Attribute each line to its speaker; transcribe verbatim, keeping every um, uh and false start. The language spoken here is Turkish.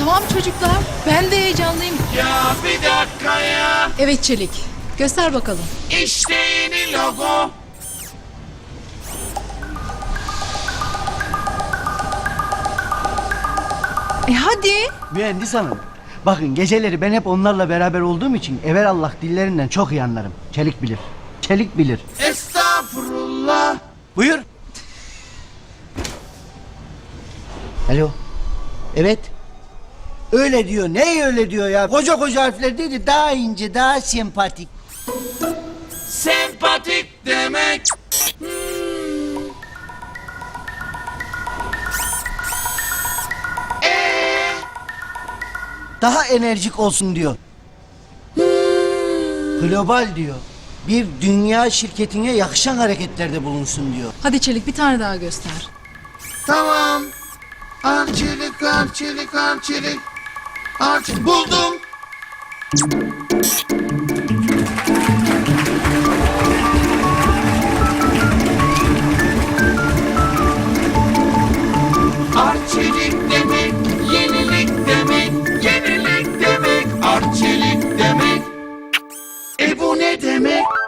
Speaker 1: Tamam çocuklar, ben de heyecanlıyım.
Speaker 2: Ya bir dakika ya.
Speaker 1: Evet Çelik, göster bakalım.
Speaker 2: İşte yeni logo.
Speaker 1: E hadi.
Speaker 3: Mühendis hanım. Bakın geceleri ben hep onlarla beraber olduğum için evelallah dillerinden çok iyi anlarım. Çelik bilir. Çelik bilir.
Speaker 2: Estağfurullah.
Speaker 3: Buyur. Alo. Evet. Öyle diyor. Ne öyle diyor ya? Koca koca harfler dedi. Daha ince, daha sempatik.
Speaker 2: Sempatik demek.
Speaker 3: Daha enerjik olsun diyor. Global diyor. Bir dünya şirketine yakışan hareketlerde bulunsun diyor.
Speaker 1: Hadi Çelik, bir tane daha göster.
Speaker 2: Tamam. Arçelik, arçelik, arçelik. Arç buldum. Arçelik demek, yenilik demek, yenilik demek, arçelik demek. E bu ne demek?